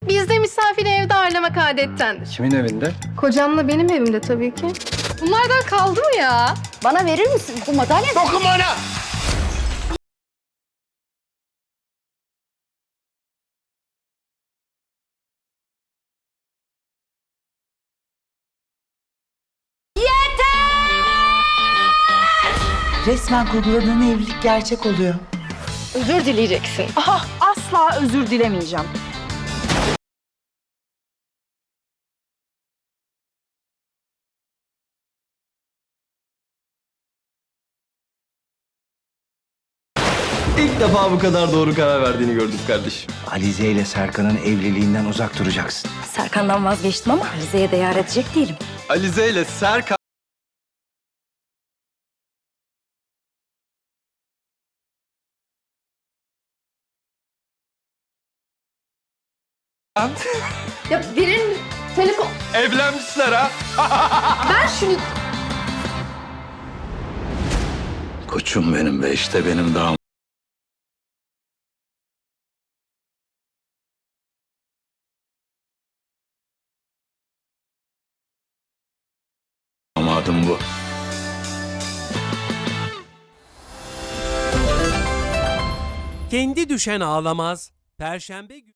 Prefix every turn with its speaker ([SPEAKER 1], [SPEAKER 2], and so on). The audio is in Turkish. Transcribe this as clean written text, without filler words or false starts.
[SPEAKER 1] Bizde misafiri evde ağırlamak adettendir.
[SPEAKER 2] Kimin evinde?
[SPEAKER 1] Kocamla benim evimde tabii ki. Bunlardan kaldı mı ya?
[SPEAKER 3] Bana verir misin bu madalya?
[SPEAKER 2] Dokunma ona!
[SPEAKER 4] Resmen kurguladığın evlilik gerçek oluyor.
[SPEAKER 1] Özür dileyeceksin.
[SPEAKER 3] Aha, asla özür dilemeyeceğim.
[SPEAKER 5] İlk defa bu kadar doğru karar verdiğini gördüm kardeşim.
[SPEAKER 2] Alize ile Serkan'ın evliliğinden uzak duracaksın.
[SPEAKER 3] Serkan'dan vazgeçtim ama Rize'ye de yar edecek değilim.
[SPEAKER 5] Alize ile Serkan...
[SPEAKER 1] Ya verir mi? Telefon.
[SPEAKER 5] Evlenmişler ha.
[SPEAKER 1] Ben şunu...
[SPEAKER 2] Koçum benim ve işte benim damadım bu.
[SPEAKER 6] Kendi düşen ağlamaz. Perşembe günü